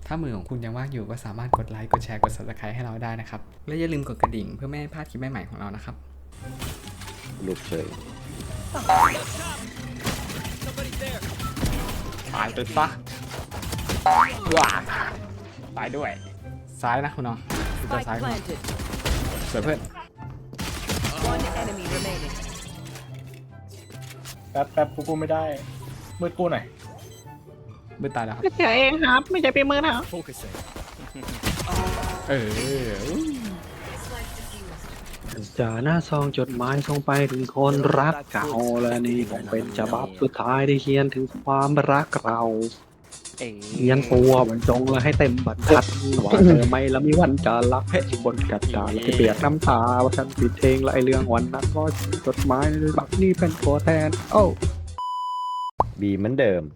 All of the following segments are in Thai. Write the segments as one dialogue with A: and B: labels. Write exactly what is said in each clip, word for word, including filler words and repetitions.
A: ถ้ามือของคุณยังว่างอยู่ก็สามารถกดไลค์กดแชร์กด ซับสไครบ์ ให้เราได้นะครับและอย่าลืมกดกระดิ่งเพื่อไม่ให้พลาดคลิปใหม่ๆของเรานะครับ
B: ลุกเฉย
A: ตายไปซะว้าตายด้วยซ้ายนะคุณน้องตัวซ้ายคุณสวยเพื่อน
C: แป๊บแป๊บกูกูไม่ได้มืดกูหน่อย
A: มือตายแล้วครับ
C: เฉยเองครับไม่ใช่เป็นมือนะ
A: เออ
B: จ่าหน้าซองจดหมายส่งไปถึงคนรักเก่าและนี่คงเป็นฉบับสุดท้ายที่เขียนถึงความรักเราเขียนตัวบรรจงและให้เต็มบรรทัดว่าเธอไม่ละมีวันจะรักให้บนกระดาษที่เปียกน้ำตาว่าฉันผิดเองและไอเรื่องวันนั้นก็จดหมายในบักนี้เป็นตัวแทนโอ้บีเหมือนเดิม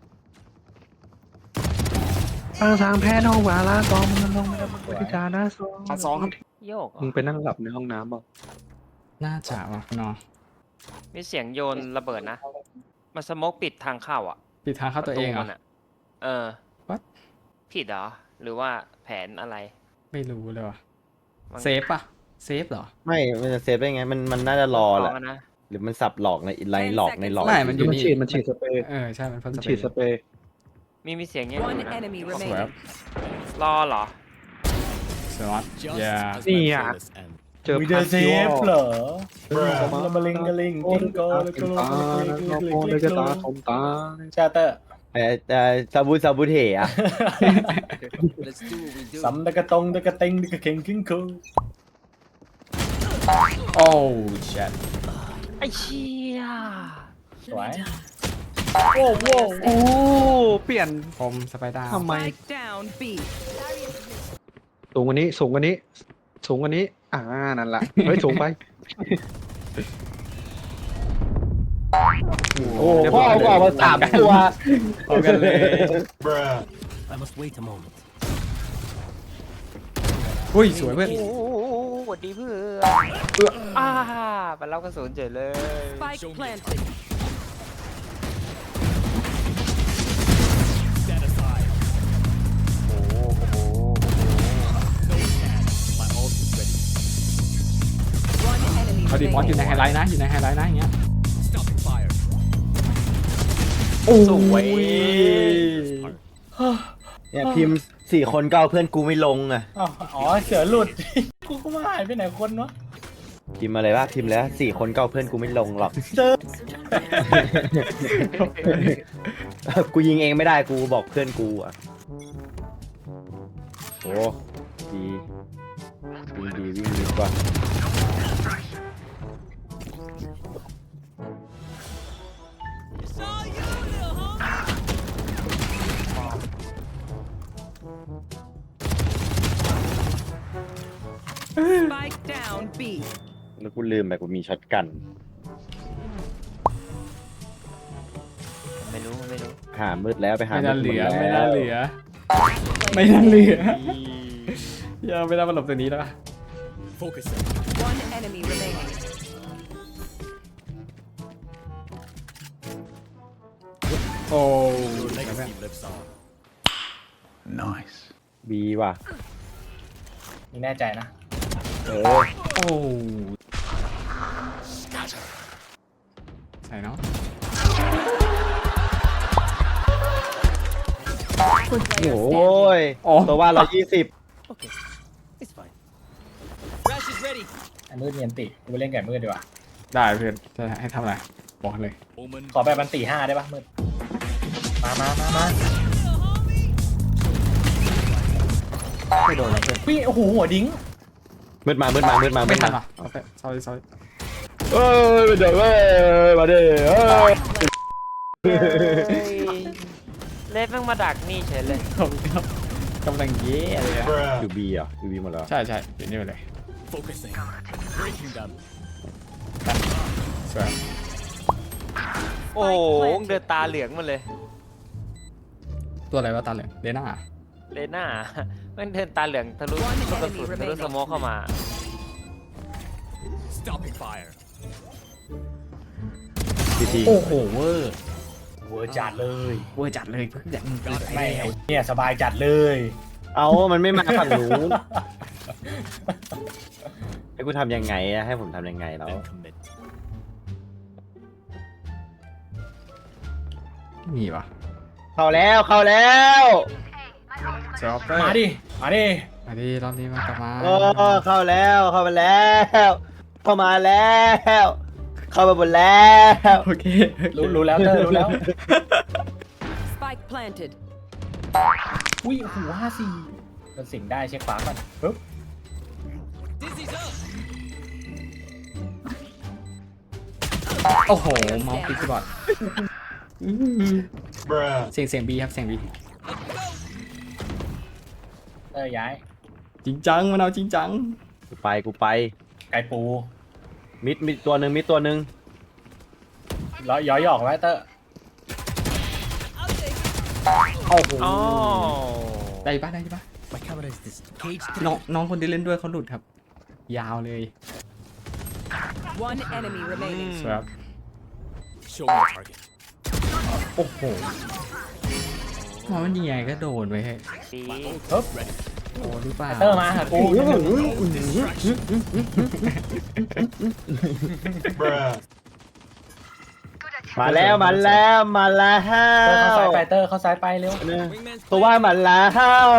B: ทางทางแพ้น้องวาลากองมันลงมาแล้วมันพิจารณาซอง
A: สองครับ
D: โยก
B: มึงไปนั่งหลับในห้องน้ำเปล่า
A: น่าจะว่ะคุณน้อง
D: มีเสียงโยนระเบิดนะมาสโมกปิดทางเข้าอ่ะ
A: ปิดทางเข้าตัวเองเหรอ
D: เออ
A: What
D: ผิดเหรอหรือว่าแผนอะไร
A: ไม่รู้เลยว่ะเซฟป่ะเซฟเหรอ
B: ไม่มันจะเซฟได้ไงมันมันน่าจะรอแหละหรือมันสับหลอกในอินไลน์หลอกในหลอก
A: ไม่มันอยู่นี่
B: มันฉีดมันฉีดสเปรย์
A: เออใช่มันพ่น
B: ฉีดสเปรย์
D: มีมีเสียงเงี้ย
A: สวย
D: รอเหรอ
A: สวัสดีอย่า
B: นี่อ่ะ
C: เจอพันเซฟเหรอละมาลิงกะลิงกิ้งโก้แล้วก็ลงเลยก็ตาคมตาชาเตอร์
B: ไอ้แต่ซาบูซาบูเทอะ
C: สัมตะกะตงตะกะเต็งตะกะเข่งกิ้งโก้
A: โอ้ชิต
D: ไอ้เชี่ย
C: สวยโอ้โห
B: โอ้เปลี่ยน
A: คมสไปด้า
B: ทำไมสูงกว่านี้สูงกว่านี้สูงกว่านี้อ่านั่นแหละเฮ้ยสูงไปโอ้พ่อเอามาสามตัว
A: เอากันเลยอุ้ยสวยเพื่อน
D: โอ้สวัสดีเพื่อนอ่ามันเล่ากระสุนเฉยเลย
A: เขาดีมอสอยู่ในไฮไลท์นะอยู่ในไฮไลท์นะอย่างเงี้ยโอ้
D: สวย
B: เนี่ยพิมพ์สี่คนก็เอาเพื่อนกูไม่ลงอ่ะ
C: อ๋อเสือหลุดกูก็มาหายไปไหนคนวะ
B: พิมพ์อะไรวะพิมพ์แล้วสี่คนก็เอาเพื่อนกูไม่ลงหรอกเจอกูยิงเองไม่ได้กูบอกเพื่อนกูอ่ะโอ้ดีวิ่งดีวิ่งดีกว่าแล้วกูลืมไปกูมีช็อตกัน
D: ไม่รู้ไม่รู้
B: หามืดแล้วไปหา
A: ไม่น่าเหลือไม่น่าเหลือไม่น่าเหลืออย่าไม่ได้มาหลบตัวนี้แล้วโอ้
B: nice บีว่ะ
C: นี่แน่ใจนะ
B: เออ
A: โอ้ใช่เนาะ
B: โอ้ยตัวว่าเรายี่สิบ
C: ไอ้มืดเนียนติกูไปเล่นแก่มืดดีกว่า
A: ได้เพื่อนจะให้ทำอะไรบอกเลย
C: ขอแบบมันตีห้าได้ปะมืดมามามามา
A: ไม่โดนเพื่อน
C: พี่โอ้โหหัวดิ้ง
B: มืดมามืดมามืดมา
A: ไม่ทันอ่ะโอเค sorry sorry
B: เอ้ยเดี๋ยวเว้ยมาดิเอ้ย
D: เลสแม่งมาดักนี่เฉยเลย
A: กำลังเย่อะไรอะ
B: ยูบีอ่ะยูบีหมดแล้ว
A: ใช่ใช่อยู่นี่เลยสวย
D: โอ้เดินตาเหลืองมาเลย
A: ตัวอะไรวะตาเหลืองเลน่า
D: เลน่ามันเดินตาเหลืองทะลุลูกกระสุนทะลุสโมกเข้ามา
C: โอ้โหเวอร์เวอร์จัดเลย
A: เวอร์จัดเลยเพื่อน
C: ไม่เนี่ยสบายจัดเลย
E: เอามันไม่มาฝั่งนู้นให้กูทำยังไงอะให้ผมทำยังไงแล้ว
A: ไม่มีวะ
E: เข้าแล้วเข้าแล้ว
A: เจอเปอร์
C: มาดิมาดิ
A: มาดิรอบนี้มากลับมา
E: โอ้เข้าแล้วเข้ามาแล้วเข้ามาแล้วเข้ามาหมดแล้ว
A: โอเค
C: รู้รู้แล้วเตอร์รู้แล้ว
F: Spike planted.
C: อุ้ยโอ้โหูห้าสี่มันสิงได้เช็คฟ้าก่อนปึ๊บ
A: โอ้โหเมาส์คลิกบอร์ดเสียงเสียงบีครับเสียงบี
C: เตอร์ย้าย
A: จริงจังมันเอาจริงจัง
E: กูไปกูไป
C: ไก่ปู
E: มิดมิดตัวหนึ่งมิดตัวหนึ่ง
C: ร้อยย้อยหยอกไว้เตอร์
A: โอ้โห
D: อ๋อ
A: ได้ปะได้ปะน้องน้องคนที่เล่นด้วยเขาหลุดครับ ยาวเลย
F: One enemy remaining.
A: สวยครับโอ้โหมันยิงไงก็โดนไปให้
D: ดี
C: ปึ๊บ
A: โอ้หรือเปล่า
C: เตอร์มาหากู
E: มาแล้วมาแล้วมาแล้
C: เตอร์เข้าซ้ายว ไปเตอร์เข้าซ้ายไปเร็ว
E: ตัวว่ามาแล้ว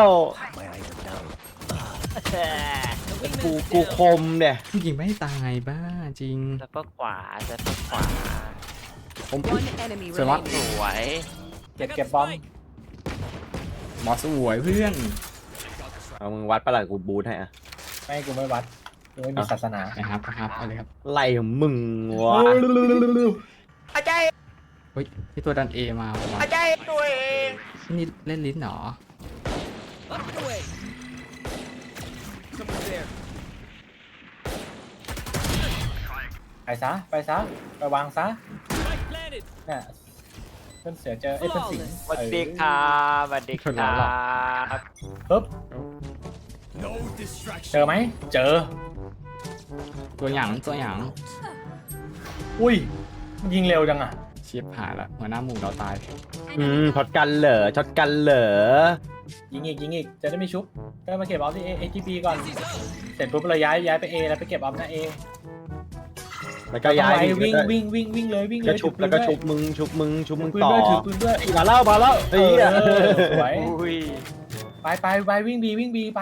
E: กูกูคมเนี่ย
A: ยิงไม่ตายบ้าจริง
D: แล้วก็ขวาแล้วก็ขวา
A: ผม
F: One enemy
A: สวยมาก
F: remaining.
D: สวย
C: เก็บเก็บบอม
A: หมอสวยเพื่อน
E: เอามึงวัดประหลัดกูบูทให้อะ
C: ไม่กูไม่วัดกูไม่มีศาสนา
A: นะครับนะครับเอาเลยครับ
E: ไล่ของมึงวะ
D: อาจารย์
A: เฮ้ยที่ตัวดันเอมาว่ะ
D: อาจารย์ตัวเอง
A: นี่เล่นลิ้นเหรอ
C: ไปซะไปซะไปวางซะเนี่ยเพื่อนเสือเจอไอ้ยเพื่อนสิง
D: สวัสดีครับสวัสดีครับ
C: ปึ๊บเจอไหมเจอ
A: ตัวหยางตัวหยาง
C: อุ้ยมันยิงเร็วจังอ่ะ
A: เชียบหายละหัวหน้าหมู่เราตาย
E: อืมช็อตกันเหรอช็อตกันเหรอ
C: ยิงอีกยิงอีกจะได้ไม่ชุบก็มาเก็บออฟที่เอจีบีก่อนเสร็จปุ๊บเราย้ายย้ายไปเอแล้วไปเก็บออฟหน้าเอ
E: แล้วก็ย้าย
C: วิ่งวิ่งวิ่งวิ่งเลยวิ่งเล
E: ก็
C: ย
E: ชุบแล้วก็ชุบมึงชุบมึงชุบมึง
C: ถือ
E: ต่อ
C: ปืนด้วยถือปืนด้วย
E: มาแล้วมาแล้ว
C: เอ
E: ไอ้เหี้ย
C: อสวย
D: อุ้ย
C: ไปไปไปวิ่งบีวิ่งบีไป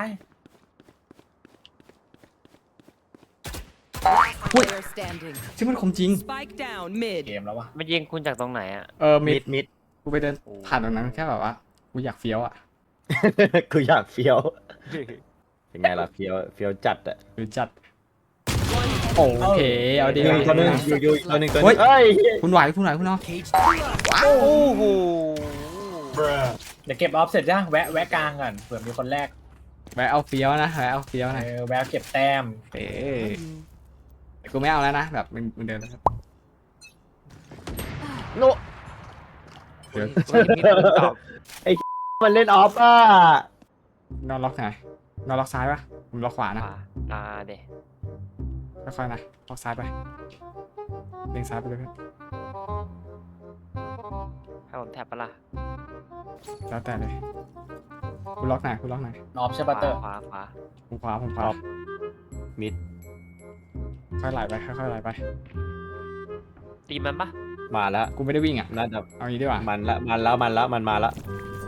F: Player standing.
A: ชื่อมันคมจริง
F: Spike down mid.
C: เกมแล้ววะ
D: มันยิงคุณจากตรงไหนอ่ะ
A: เออมิ
E: มิ
A: ด
E: ดมิด
A: กูไปเดินผ่านตรงนั้นแค่แบบว่ากูอยากเฟี้ยวอ่ะ
E: กูอยากเฟี้ยวเป็นไงล่ะเฟี้ยวเฟี้ยวจัดอะ
A: หรือจัดโอเคเอาดี
E: หนึ่งตัวหนึ่ง
A: นะ
E: อยู่อยู่ตัวหนึ่งตัวห
A: เฮ้
E: นึ่
A: ย
E: งเอ้ย
A: คุณไหวคุณไหวคุณเนาะ
E: โอ้โห
C: เดี๋ยวเก็บออฟเสร็จจ้ะแวะแวะกลางก่อนเผื่อมีคนแรก
A: แวะเอาเฟี้ยวนะแวะเอาเฟี้ยวนะ
C: เออแวะเก็บแต้ม
A: เอ๊ะแต่กูไม่เอาแล้วนะแบบมันมันเดินแล้วครับ
E: โน
A: เดี๋ยว
D: ตอบ
E: มันเล่นออฟอ่ะ
A: นอนล็อกไหนนอนล็อกซ้ายปะผมล็อกขวา
D: ข
A: นะ
D: วาอ่าเดี๋ยว
A: ค่อยๆนะล็อกซ้ายไปเล็งซ้ายไปเลยเพื่อน
D: ให้ผมแท็บปะล่ะ
A: แล้วแต่เลยคุณล็อกไหนคุณล็อกไหน
C: ออฟใช่ปะเตอร์
D: ขวาขวา
A: ผมขวาผมขวา
E: มิด
A: ค่อยไหลไปค่อยๆไหลไป
D: ตีมันปะ
E: มาแล้ว
A: กูไม่ได้วิ่งอ่ะ
E: น่าจะ
A: เอางี้ดีกว่า
E: มันละมันแล้วมันแล้วมันมาแล้ว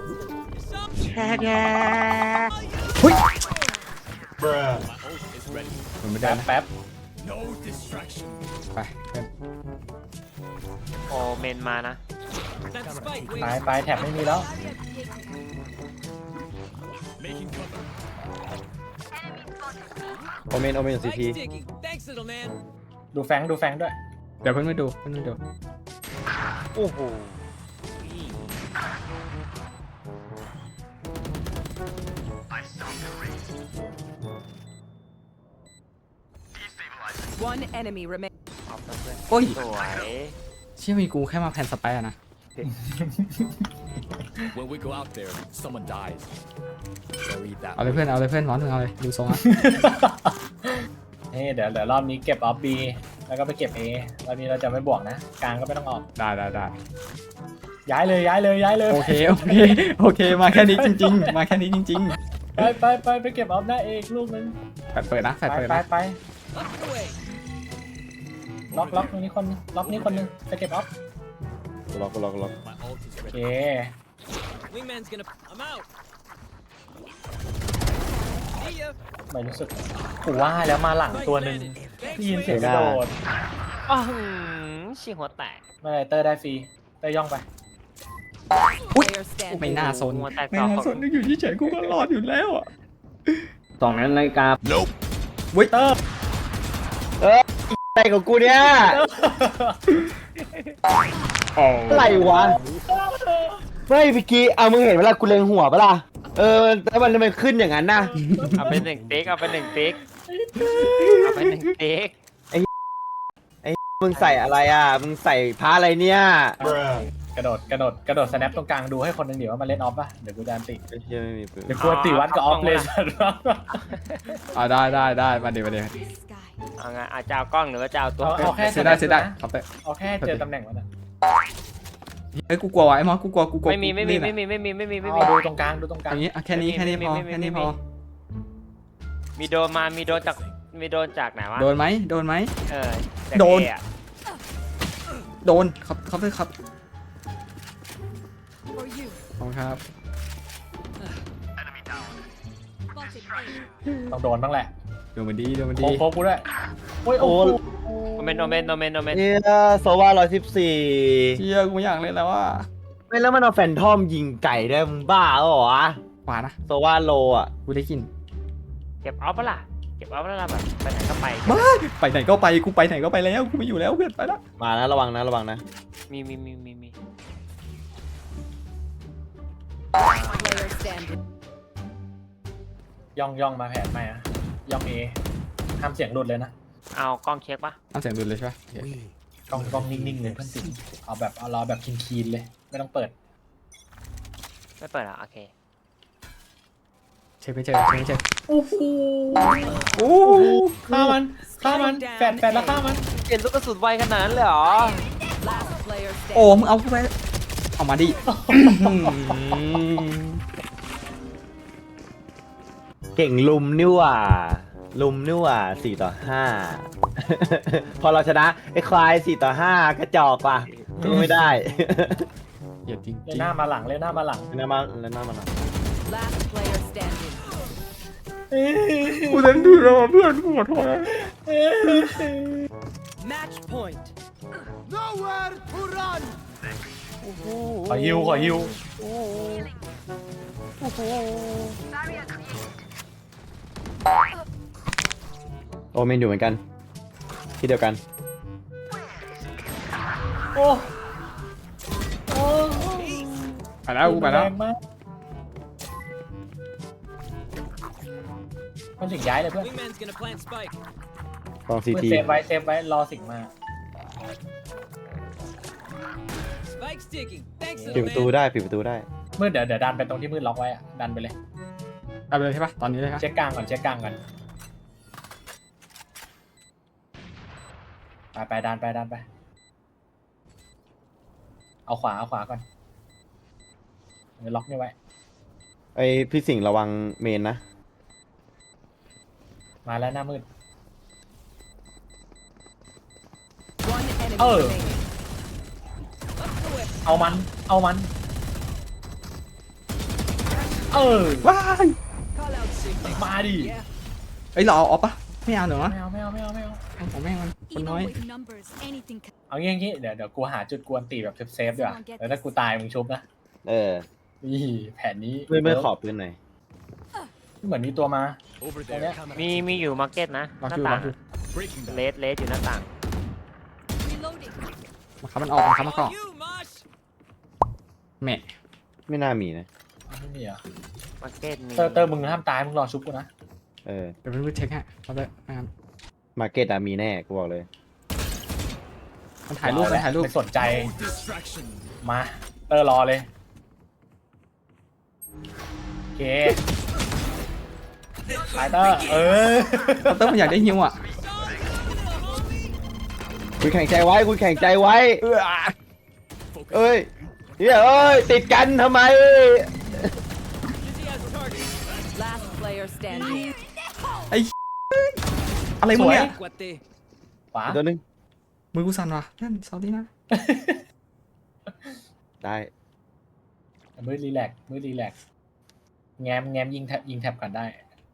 A: ผมไม่ได้
C: แป๊บ
A: นะ
C: แป๊บ
A: ไปเพื่อน
D: โอเมนมานะ
C: ไปไปแท็บไม่มีแล้ว
E: โอเมนโอเมนซีที
C: ดูแฟงดูแฟงด้วย
A: เดี๋ยวเพื่อนไม่ดูเพื่อนไม่ดู
D: โอ้โห
F: One enemy remaining.
D: เอาเพื่อน
A: โอ้ย
D: สวย
A: เชื่อมีกูแค่มาแผ่นสไปร์อะนะ
G: When we go out there, someone dies. So eat that.
A: เอาเลยเพื่อนเอาเลยเพื่อนร้อนมึงเอาเลยดูทรงอ่ะ
C: นี่เดี๋ยวเดี๋ยวรอบนี้เก็บออฟบีแล้วก็ไปเก็บเอรอบนี้เราจะไม่บวกนะกลางก็ไม่ต้องออก
A: ได้ได้ได้
C: ย้ายเลยย้ายเลยย้ายเลย
A: โอเคโอเคโอเคมาแค่นี้จริง ๆ มาแค่นี้จริง
C: ไปไปไปไปเก็บออฟหน้าเอกลูกนึง
A: แฟดเปิดนะแฟ
C: ไป
A: ดเปิด
C: ไป
A: นะ
C: ไปล็อกล็อกตรงนี้คนนึงล็อกนี้คนนึงไปเก็บออฟ
E: ล็อกล็อกล็อก
G: My ult is
C: โอ
G: ready.
C: เค
H: Wingman's gonna. I'm out.
C: ไม่รู้สึกกูว่าแล้วมาหลังตัวหนึ่งได้ยินเสียงกระโดด
D: อ้าวชิงหัวแตก
C: ไม่เป็นไรเตอร์ได้ฟรีเตอร์ย่องไป
F: Player standing.
A: ไม่น่าซน
D: หัวแตก
A: ไม่
D: ต่อ
A: น่าซนนึกอยู่เฉยๆกูก็รอดอยู่แล้วอ่ะ
B: สองนาฬิกา
G: Nope.
A: วิเตอร์
E: อะไรของกูเนี่ย อะไรวะไม่พี่กี้เอามึงเห็นเวลากูเล็งหัวปะล่ะเออแล้วมันทำไมขึ้นอย่างนั้นน่ะ
D: เอาไปหนึ่งติ๊กเอาไปหนึ่งติ๊กเอาไปหนึ่งติ๊ก
E: มึงใส่อะไรอ่ะมึงใส่ผ้าอะไรเนี่ย
C: กระโดดกระโดดกระโดดสแนปตรงกลางดูให้คนหนึ่งเดี๋ยวว่ามันเล่นออฟป่ะเดี๋ยวกูจะอันติ
E: ไอ้เหี้ยไม่มีปืน
C: เดี๋ยวกูอันติวัดกับออฟเลยสัตว์
A: อ่าได้ได้ได้มาเดี๋ยวมาเดี๋ยว
D: เอาไงอาจจะเอากล้องหรือว่าจะเอาตัว
C: เอาเอาแค่
A: เสียได้เสียได้ครับเตอร์
C: เอาแค่เจอตำแหน่งมันนะ
A: เฮ้ยกูกลัวว่ะไอ้มอสกูกลัวกูกลัว
D: ไม่มีไม่มี
A: นี่แหละ
D: ไม่มีไม่มีไม่มีไม่
C: เอา
D: มี
C: ดูตรงกลางดูตรงกลาง
A: อย่างงี้อ่ะแค่นี้แค่นี้พอ
D: ไม่มี
A: แค่นี้
D: ไม่
A: พ
D: มี
A: อ
D: มีโดนมามีโดนจากมีโดนจากไหนวะ
A: โดนไหมโดนไหม
D: เออจาก
A: โดน
D: เออะ
A: โดนครับครับเตอร์ครับ
F: For you.
A: ขอบคุณครับ
C: ต้องโดนบ้างแหละ
A: โดนมันดีโดนมัน
C: โค
A: ดี
C: โคกูด้วยโอ้ยโอ้โห
D: โอเมนโอเมนโอเมนโอเมน
E: เนี่ยโซวาร้อยสิบสี่
A: เชี่ยกูไม่อยากเล่นแล้วว่า
E: ไม่แล้วมันเอาแฟนทอมยิงไก่ได้มึงบ้าเหรอวะ
A: ขวานะ
E: โซวาโลอ่ะ
A: กูได้กิน
D: เก็บออฟปะล่ะเก็บออฟแล้วล่ะแบบไปไหนก็ไป
A: มาไปไหนก็ไปกูไปไหนก็ไปแล้วกูไม่อยู่แล้วเพื่อนไปแล้ว
E: มานะระวังนะระวังนะ
D: มีมีมีมีมี
F: Player standing.
C: ย่องย่องมาแผนใหม่อะย่องเอห้ามเสียงหลุดเลยนะ
D: เอากล้องเช็คปะ
A: เอาเสียงดุนเลยใช่ปะโอเค
C: กล้องกล้องนิ่งๆเลยเพื่อนสิเอาแบบเอารอแบบคีนๆเลยไม่ต้องเปิด
D: ไม่เปิดอ่ะโอเค
A: เช็คไม่เจอเช็คไม่เจอ
C: โอ้โห
A: โอ้
C: ฆ่ามันฆ่ามันแฟดแฟดแล้วฆ่ามัน
D: เห็นลูกกระสุนไวขนาดนั้นเลยเหรอ
F: Last player
A: โอ้
F: standing.
A: มึงเอาเข้าไปเอามาดิ
E: เก่งลุมนี่หว่าลุมนี่หว่าสี่ต่อห้า พอเราชนะไอ้ควายสี่ต่อห้ากระจอกว่ะสู้ไม่ได้
A: เหยียดจริง
C: เล
A: จริ
C: ย
A: ง
C: หน้ามาหลังเลยหน้ามาหลัง
E: แล้วมาแล้วหน้ามันอ่ะ
F: Last player standing.
A: กูเล่นดูแล้วเพื่อนกูขอโทษ
F: Match point.
C: ขอฮิวขอฮิว
E: โอเมนอยู่เหมือนกันที่เดียวกัน
C: โอ้โอ้
A: ไปแล้วกูไปแล้ว
C: แรงมากมันถึงย้ายเลยเพื่อน
H: Wingman's gonna plant spike.
E: กองซี
C: เพื่อน
E: ที
C: เซฟไว้เซฟไว้รอสิ่งมา
H: Spike's ticking. Thanks,
E: ปิดประตู
H: little man.
E: ได้ปิดประตูได้
C: มืดเดี๋ยวเดี๋ยวดันไปตรงที่มืดล็อกไว้อะดันไปเลย
A: เอาไปเลยใช่ปะตอนนี้เลยครับ
C: เช็คกลางก่อนเช็คกลางก่อนไปไปดันไปดันไป เอาขวาเอาขวาก่อนเดี๋ยวล็อกนี่ไว้
E: ไอพี่สิงห์ระวังเมนนะ
C: มาแล้วหน้ามืด
F: One enemy
C: Oh.
F: remaining.
C: เอามัน เอามัน เออ
A: ว้าย
F: Call out signal.
C: มาดิ
A: เอ้ยเราเอาออฟปะไม่เอาเหรอ
C: ไม่เอาไม่เอาไม่เอาไม่เอา
A: เอาของแม่งมันคนน้อย
I: Even with numbers, anything can
C: เอางี้อย่างงี้เดี๋ยวเดี๋ยวกูหาจุดกวนตีแบบเซฟๆดีกว่าแล้วถ้ากูตายมึงชุบนะ
E: เออ
C: นี่แผนนี้
E: ไม่ไม่ขอปืนหน่อย
C: เหมือนมีตัวมา
G: Over
C: Oh, yeah.
G: there. Camera.
D: มีมีอยู่มาร์เก็ตนะห
A: ล็อก
D: น้า
A: อยู่
D: ต่า
A: ล็อง กอยู่
G: Breaking
D: เล
G: them.
D: สเลสอยู่หน้าต่าง
I: reloading.
A: มาครับมันออกมาครับมันก็
H: You, Mosh.
A: แม่
E: ไม่น่ามีนะ
C: ไม่มีเหรอ่ะ
D: มาร์เก็ตมี
C: เตอร์เตอร์มึงห้ามตายมึงรอชุบกูนะ
E: เออ
A: เดี๋ยวเพื่อนๆเช็คฮะเอาเลยนะครับ
E: มาร์เก็ตอะมีแน่กูบอกเลย
A: มันถ่ายรูปมันถ่ายรูป
C: ไม่สนใจ
G: Distraction.
C: มา เตอร์รอเลย โอเคไปเตอร์ เออ
A: เตอร์มันอยากได้ฮิวอ่ะ
E: คุณแข่งใจไว้คุณแข่งใจไว้
A: เออ
E: เอ้ยเฮ้ยเอ้ยติดกันทำไม
H: Dizzy has target.
F: Last player standing.
A: ไอ้ อะไรมึงเนี่ย
H: Cuate.
C: ขวา
E: ตัวหนึง
A: มือกูสั่นว่ะนั่นซอรี่นะ
E: ได้
C: มือรีแลกซ์มือรีแลกซ์แง้มแง้มยิงแท็บยิงแท็บก่อนได้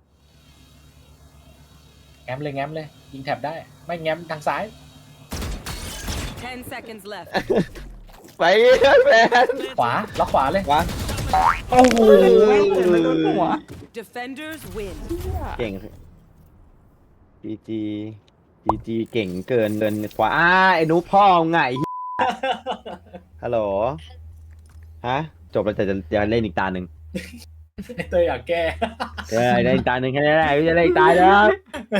C: แง้มเลยแง้มเลยยิงแท็บได้ไม่แง้มทางซ้าย
F: Ten seconds left.
E: ไปแฟน
C: ขวาล็อกขวาเลย
E: วะ
A: โอ้โหไม่โดนหัว
F: Defenders win.
E: เก่งจีจีจีจีเก่งเกินเกินกว่าอ้าไอ้หนูพ่อไงเหี้ยฮัลโหลฮะจบแล้วแต่จะจะเล่นอีกตาหนึ่ง
C: ไอ้เตยอยากแก้
E: เออเล่นอีกตาหนึ่งแค่นี้แหละไม่จะเล่นอีกตาเดียว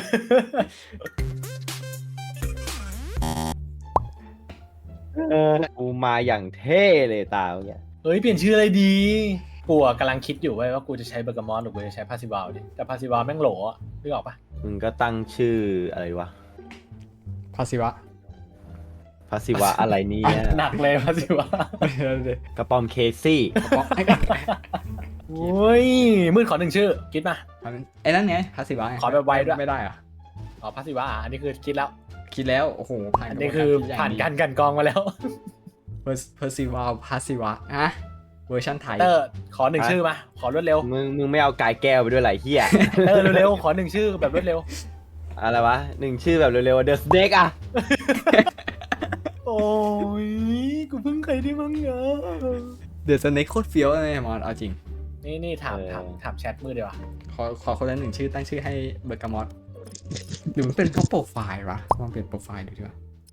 E: เออกูมาอย่างเท่เลยตาเมื่อกี้
C: เฮ้ยเปลี่ยนชื่ออะไรดีกูอะกำลังคิดอยู่เว้ยว่ากูจะใช้เบอร์กามอนหรือกูจะใช้พาซิวาลดิแต่พาซิวาลแม่งโหลอ่ะนึกออกปะ
E: มึงก็ตั้งชื่ออะไรวะ
A: พาสิวะ
E: พาสิวะอะไรเนี่ย
C: หนักเลยพาซิวาล
E: กระป๋อมเคซี่
C: โอ้ยมืดขอหนึ่งชื่อคิดมา
A: ไอ้นั่นไงพาสิวะ
C: ขอแบบไวด้วย
A: ไม่ได้เหรอะ
C: อ๋อพาซิวาอ่ะอันนี้คือคิดแล้ว
A: คิดแล้วโอ้โหผ่าน
C: อันนี้คือผ่านการกลันกรองมาแล้ว
A: เพอร์ซิวาพาสิวะอะเวอร์ชันไทย
C: เตอร์ขอหนึ่งชื่อมาขอรวดเร็ว
E: มึงมึงไม่เอากายแก้วไปด้วยไหลเฮีย
C: เตอร์เร็วๆขอหนึ่งชื่อแบบรวดเร็ว
E: อะไรวะหนึ่งชื่อแบบเร็วๆเดอะสเน็กอะ
C: โอ้ยกูเพิ่งเคยได้มั้งเนอะ
A: เดอะสเน็กโคตรเฟี้ยวเลยมอนเอาจริง
C: นี่นี่ถามถามถามแชทมือเดียวา
A: ขอขอคนละหนึ่งชื่อตั้งชื่อให้เบอร์กามอสหรือมันเป็นเพราะโปรไฟล์วะลองเปลี่ยนโปรไฟล์ดูดีกว่า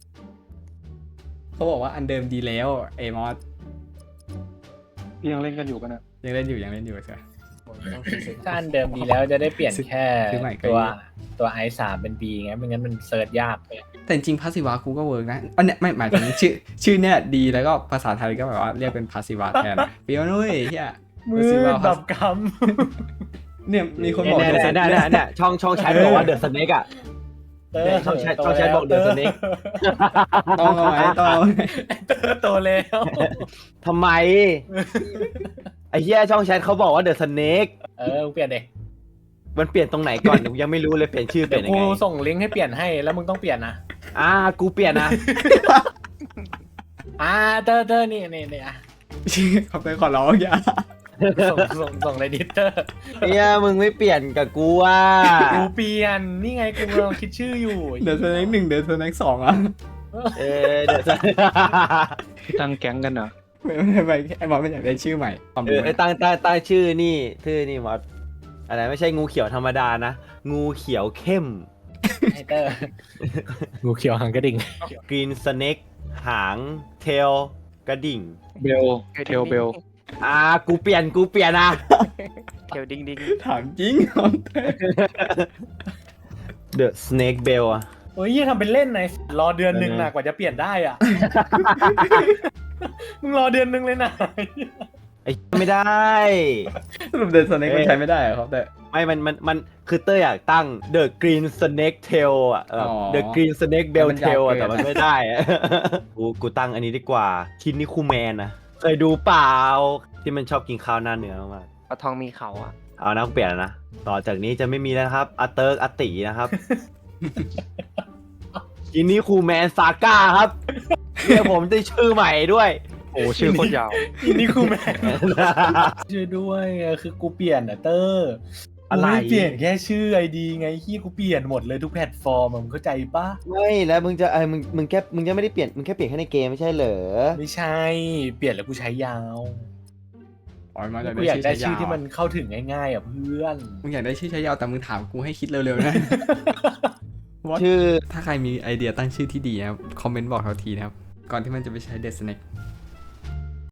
A: เขาบอกว่าอันเดิมดีแล้วเอมอส
B: ยังเล่นกันอยู่กันนะ
A: ยังเล่นอยู่ยังเล่นอยู่ใช่ไหม
C: ถ้าอันเดิมดีแล้วจะได้เปลี่ยนแค่
A: ซื้อใหม่ก็
C: ตัว
A: ดี
C: ตัวไอสามเป็นบีไงไม่งั้นมันเซิร์ชยากเลย
A: แต่จริงพาสิวะกูก็เวิร์กนะอันเนี้ยไม่หมายถึง ชื่อชื่อเนี่ยดีแล้วก็ภาษาไทยก็แบบว่าเรียกเป็นพาสิวะแทนนะเฟี้ยวนุ้ยเฮีย
C: มือดับก
A: เนี่ยมีคนบอก
E: เนี่ย
A: เดอะส
E: เนี่ย
A: เน็
E: เนี่ยเนี่ยช่องช่องแชทบอกว่าเดอะสเน็กอะ
C: ำเตอ
E: เนี่ย
C: ร์
E: ช่องแชทช่องแชทบอก The Snake
A: ต้องเอาไว้ต้องเอาไว้
C: เตอร์โตแล้ว
E: ทำไม ไอ้เหี้ยช่องแชทเขาบอกว่าเดอะสเน็ก
C: เออมึงเปลี่ยนเด็ก
E: มันเปลี่ยนตรงไหนก่อน กูยังไม่รู้เลยเปลี่ยนชื่อเป
C: เดี๋
E: ลี่
C: ย
E: ยน
C: ว
E: ยัง
C: กู
E: ไง
C: ส่งลิงก์ให้เปลี่ยนให้แล้วมึงต้องเปลี่ยนนะ
E: อ่ากูเปลี่ยนนะ
C: อ่าเตอร์เตอร์นี่นี่นี่อ่ะ
A: ขอบคุณขอร้องอย่า
C: ส่งส่งส่งเลยดิเตอร์
E: เนี่ยมึงไม่เปลี่ยนกับกูว่า
C: กูเปลี่ยนนี่ไงกูกำลังคิดชื่ออยู่
A: เดอะสเน็กหนึ่งเดอะสเน็กสองอ่ะ
E: เออเดอะส
B: ตั้งแก๊งกันเหรอ
A: ไม่ไม่ไม่ไอ้บอลไม่อยากได้ชื่อใหม่ความ
E: เอ
A: รู้
E: อไอ้ตั้งตั้งตั้งชื่อนี่ชื่อนี่มอสอะไรไม่ใช่งูเขียวธรรมดานะ งูเขียวเข้ม
C: ไอเตอร์งูเขียวหางกระดิ่ง
E: กรีนสเน็กหางเทลกระดิ่ง
B: เบลเทลเบล
E: อ่ากูเปลี่ยนกูเปลี่ยนนะ
D: เขียวดิงดิง
A: ถามจริง
E: เดอะสเน็กเบลอะ
C: โอ้ยยี่ทำเป็นเล่นไงรอเดือนหนึ่งนะกว่าจะเปลี่ยนได้อ่ะ มึงรอเดือนหนึ่งเลยนะ
E: ไอ้ไม่ได้
A: สรุปเดอะสเน็กมันใช้ไม่ได้เหรอครับแต่
E: ไม่มันมันมันคือเต้ยอยากตั้ง The Green Snake Tail อ่ะแบบ
A: อ๋อ
E: The Green Snake Bell
A: มันยาว
E: Tail อ่ะ
A: เกิน
E: แต่มันไม่ได้อะ กูกูตั้งอันนี้ดีกว่าคินนี่คูแมนนะเคยดูเปล่าที่มันชอบกินข้าวหน้าเนื้อมาก
D: ปลาทองมีเขาอ่ะ
E: เอานะเปลี่ยนแล้วนะ ต่อจากนี้จะไม่มีแล้วนะครับอาเติร์กอาตินะครับ กินนี่คูแมนซาก้าครับเรียกผมได้ชื่อใหม่ด้วย
B: โอ้ชื่อโคตรยาว
C: อินนี่คูแมนช่วยด้วยเออคือกูเปลี่ยนอ่ะเตอร์
E: อะไร
C: กูไม่เปลี่ยนแค่ชื่อไอดีไงที่กูเปลี่ยนหมดเลยทุกแพลตฟอร์มอะมึงเข้าใจปะ
E: ไม่แล้วมึงจะไอ้มึงมึงแค่มึงจะไม่ได้เปลี่ยนมึงแค่เปลี่ยนแค่ในเกมไม่ใช่เหรอ
C: ไม่ใช่ เปลี่ยนแล้วกูใช้ยาว
A: อ๋อมาจาก
C: กูอยากได้
A: ได้
C: ชื่
A: ชื่
C: อ
A: อ
C: ที่
A: ที่
C: มั
A: มัน น
C: เข้าถึงง่ายๆอ่ะเพื่อน
A: มึงอยากได้ชื่อใช้ยาวแต่มึงถามกูให้คิดเร็วๆนะ What?
E: ชื่อ
A: ถ้าใครมีไอเดียตั้งชื่อที่ดีนะครับคอมเมนต์บอกเราทีนะครับก่อนที่มันจะไปใช้เดอะสเน็ก